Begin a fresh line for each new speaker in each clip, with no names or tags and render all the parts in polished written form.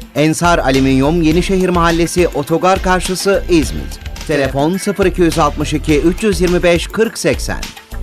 Ensar Alüminyum Yenişehir Mahallesi Otogar karşısı İzmit. Telefon 0262 325 4080.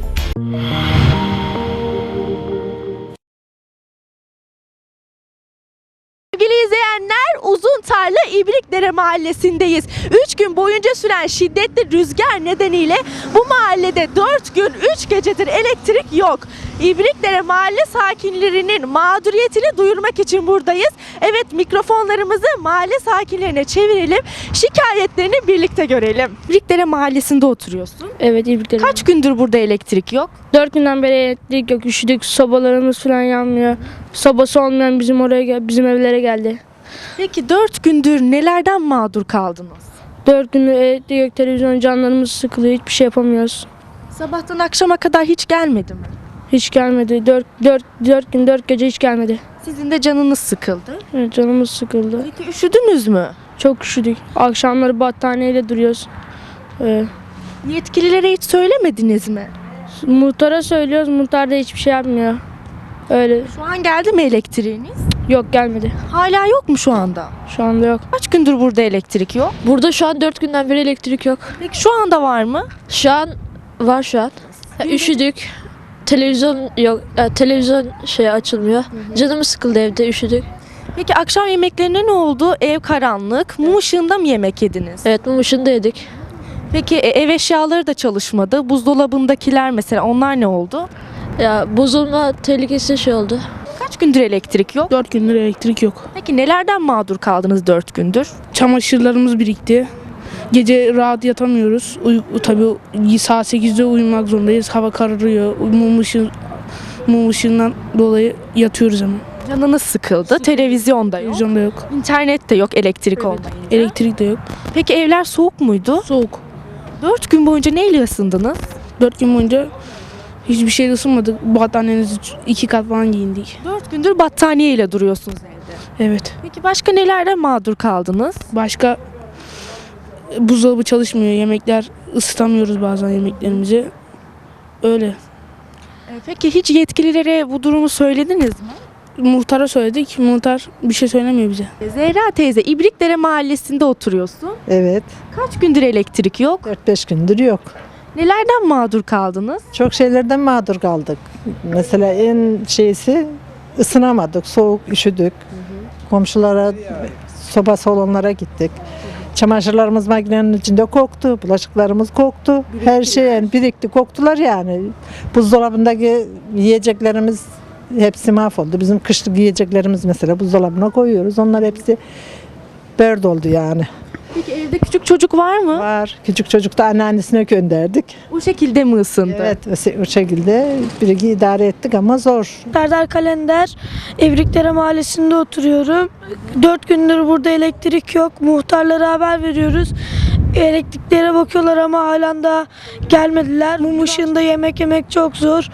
Sevgili izleyenler, Uzuntarla İbrikdere Mahallesi'ndeyiz. 3 gün boyunca süren şiddetli rüzgar nedeniyle bu mahallede 4 gün 3 gecedir elektrik yok. İbrikdere mahalle sakinlerinin mağduriyetini duyurmak için buradayız. Evet, mikrofonlarımızı mahalle sakinlerine çevirelim. Şikayetlerini birlikte görelim. İbrikdere Mahallesi'nde oturuyorsun.
Evet, İbrikdere.
Kaç gündür burada elektrik yok?
4 günden beri elektrik yok, üşüdük, sobalarımız falan yanmıyor. Sobası olmayan bizim evlere geldi.
Peki 4 gündür nelerden mağdur kaldınız?
4 gündür elektrik yok, televizyon, canlarımız sıkılıyor, hiçbir şey yapamıyoruz.
Sabahtan akşama kadar hiç gelmedi mi?
Hiç gelmedi, 4 gün 4 gece hiç gelmedi.
Sizin de canınız sıkıldı.
Evet, canımız sıkıldı.
Peki üşüdünüz mü?
Çok üşüdük, akşamları battaniyeyle duruyoruz.
Yetkililere hiç söylemediniz mi?
Muhtara söylüyoruz, muhtar da hiçbir şey yapmıyor. Öyle,
Şu an geldi mi elektriğiniz?
yok gelmedi,
Hala yok mu şu anda?
şu anda yok.
Kaç gündür burada elektrik yok?
Burada şu an 4 günden beri elektrik yok.
Peki şu anda var mı?
Şu an var şu an. Üşüdük. Televizyon yok. Televizyon açılmıyor. Canımız sıkıldı evde, üşüdük.
Peki akşam yemeklerine ne oldu? Ev karanlık. Mum ışığında mı yemek yediniz?
Evet, mum ışığında yedik.
Peki ev eşyaları da çalışmadı. Buzdolabındakiler mesela, onlar ne oldu?
Ya bozulma tehlikesi oldu.
Kaç gündür elektrik yok?
4 gündür elektrik yok.
Peki nelerden mağdur kaldınız 4 gündür?
Çamaşırlarımız birikti. Gece rahat yatamıyoruz. Tabii saat 8'de uyumak zorundayız. Hava kararıyor. Mum ışığından dolayı yatıyoruz ama.
Canınız sıkıldı. Televizyonda yok.
Televizyonda yok.
İnternet de yok elektrik olmayınca.
Elektrik de yok.
Peki evler soğuk muydu?
Soğuk.
4 gün boyunca neyle ısındınız?
4 gün boyunca hiçbir şey ısınmadık. Battaniyemizi 2 kat falan giyindik.
4 gündür battaniyeyle duruyorsunuz evde.
Evet.
Peki başka nelerden mağdur kaldınız?
Başka buzdolabı çalışmıyor. Yemekler ısıtamıyoruz bazen yemeklerimizi. Öyle.
Peki hiç yetkililere bu durumu söylediniz mi?
Muhtara söyledik. Muhtar bir şey söylemiyor bize.
Zehra teyze, İbrikdere Mahallesi'nde oturuyorsun.
Evet,
Kaç gündür elektrik yok?
4-5 gündür yok.
Nelerden mağdur kaldınız?
Çok şeylerden mağdur kaldık. Mesela en şeysi ısınamadık, soğuk, üşüdük. Komşulara, sobası olanlara gittik. Çamaşırlarımız makinenin içinde koktu, bulaşıklarımız koktu. Her şey yani birikti, koktular yani. Buzdolabındaki yiyeceklerimiz hepsi mahvoldu. Bizim kışlık yiyeceklerimiz mesela buzdolabına koyuyoruz. Onlar hepsi berd oldu yani.
Peki evde küçük çocuk var mı?
Var. Küçük çocuk da anneannesine gönderdik.
O şekilde mi ısındı?
Evet, o şekilde bir idare ettik ama zor.
Serdar Kalender, İbrikdere Mahallesi'nde oturuyorum. 4 gündür burada elektrik yok. Muhtarlara haber veriyoruz. Elektriklere bakıyorlar ama halen daha gelmediler. Mum ışığında yemek yemek çok zor.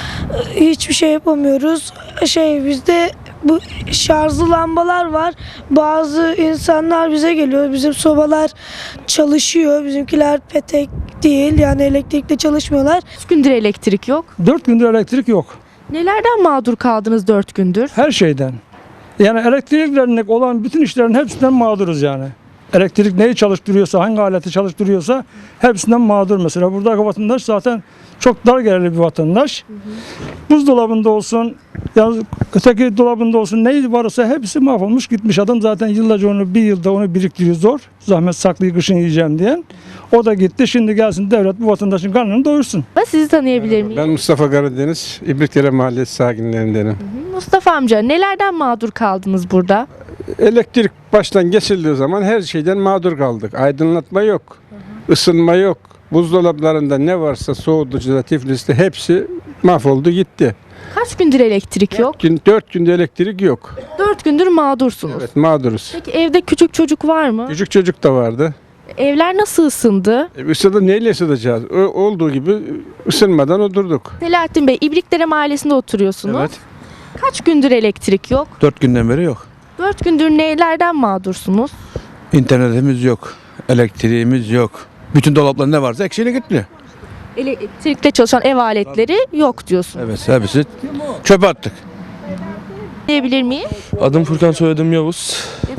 Hiçbir şey yapamıyoruz. Bizde bu şarjlı lambalar var. Bazı insanlar bize geliyor. Bizim sobalar çalışıyor. Bizimkiler petek değil. Yani elektrikle çalışmıyorlar.
Kaç gündür elektrik yok?
4 gündür elektrik yok.
Nelerden mağdur kaldınız 4 gündür?
Her şeyden. Yani elektriklerine olan bütün işlerin hepsinden mağduruz yani. Elektrik neyi çalıştırıyorsa, hangi aleti çalıştırıyorsa hepsinden mağdur mesela. Buradaki vatandaş zaten çok dar gelirli bir vatandaş. Buzdolabında olsun, ya öteki dolabında olsun, neyi varsa hepsi mahvolmuş gitmiş. Adam zaten yıllarca bir yılda onu biriktiriyor zor. Zahmet saklayı kışın yiyeceğim diyen. O da gitti. Şimdi gelsin devlet bu vatandaşın karnını doyursun.
Sizi tanıyabilir miyim?
Ben Mustafa Karadeniz, İbrikdere Mahallesi sakinlerindenim.
Mustafa amca, nelerden mağdur kaldınız burada?
Elektrik baştan kesildiği zaman her şeyden mağdur kaldık. Aydınlatma yok, ısınma yok. Buzdolaplarında ne varsa soğutucuda, tifliste hepsi mahvoldu gitti.
Kaç gündür elektrik yok?
4 günde elektrik yok.
4 gündür mağdursunuz.
Evet, mağduruz.
Peki evde küçük çocuk var mı?
Küçük çocuk da vardı.
Evler nasıl ısındı?
Isıdı, neyle ısıtacağız? Olduğu gibi ısınmadan oturduk.
Selahattin Bey, İbrikdere Mahallesi'nde oturuyorsunuz.
Evet.
Kaç gündür elektrik yok?
4 günden beri yok.
4 gündür nelerden mağdursunuz?
İnternetimiz yok. Elektriğimiz yok. Bütün dolaplar ne varsa eksiğine gitti.
Elektrikle çalışan ev aletleri yok diyorsunuz.
Evet, hepsi çöpe attık.
Diyebilir miyim?
Adım Furkan, soyadım Yavuz.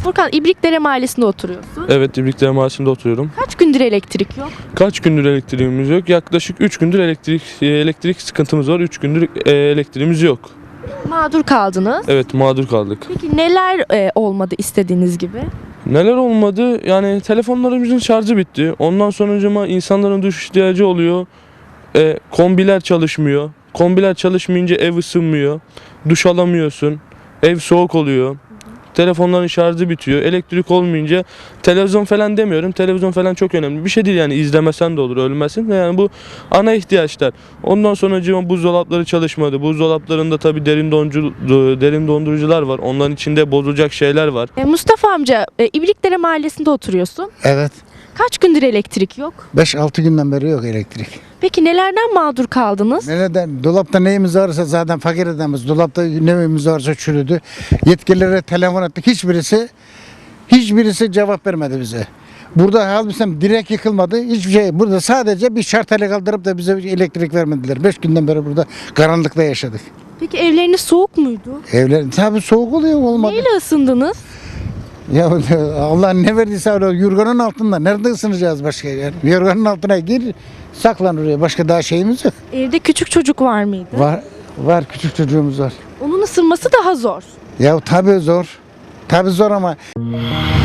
Furkan, İbrikdere Mahallesi'nde oturuyorsun.
Evet, İbrikdere Mahallesi'nde oturuyorum.
Kaç gündür elektrik yok?
Kaç gündür elektriğimiz yok? Yaklaşık 3 gündür elektrik sıkıntımız var. 3 gündür elektriğimiz yok.
Mağdur kaldınız.
Evet, mağdur kaldık.
Peki neler olmadı istediğiniz gibi?
Neler olmadı? Yani telefonlarımızın şarjı bitti. Ondan sonucuma insanların duş ihtiyacı oluyor. Kombiler çalışmıyor. Kombiler çalışmayınca ev ısınmıyor. Duş alamıyorsun. Ev soğuk oluyor. Telefonların şarjı bitiyor. Elektrik olmayınca televizyon falan demiyorum. Televizyon falan çok önemli. Bir şey değil yani, izlemesen de olur, ölmesin. Yani bu ana ihtiyaçlar. Ondan sonra buzdolapları çalışmadı. Buzdolaplarında tabii derin dondurucular var. Onların içinde bozulacak şeyler var.
Mustafa amca, İbrikdere Mahallesi'nde oturuyorsun.
Evet.
Kaç gündür elektrik yok?
5-6 günden beri yok elektrik.
Peki nelerden mağdur kaldınız?
Nereden? Dolapta neyimiz varsa zaten fakir adamız. Dolapta neyimiz varsa çürüdü. Yetkililere telefon ettik. Hiçbirisi cevap vermedi bize. Burada halbuki direk yıkılmadı. Hiçbir şey. Burada sadece bir şarteli kaldırıp da bize elektrik vermediler. 5 günden beri burada karanlıkta yaşadık.
Peki evleriniz soğuk muydu?
Evler tabii soğuk oluyor, olmadı.
Neyle ısındınız?
Ya Allah ne verdiyse öyle yorganın altında. Nerede ısınacağız başka yer? Yorganın altına gir, saklan oraya. Başka daha şeyimiz yok.
Evde küçük çocuk var mıydı?
Var küçük çocuğumuz var.
Onun ısınması daha zor.
Ya tabii zor. Tabii zor ama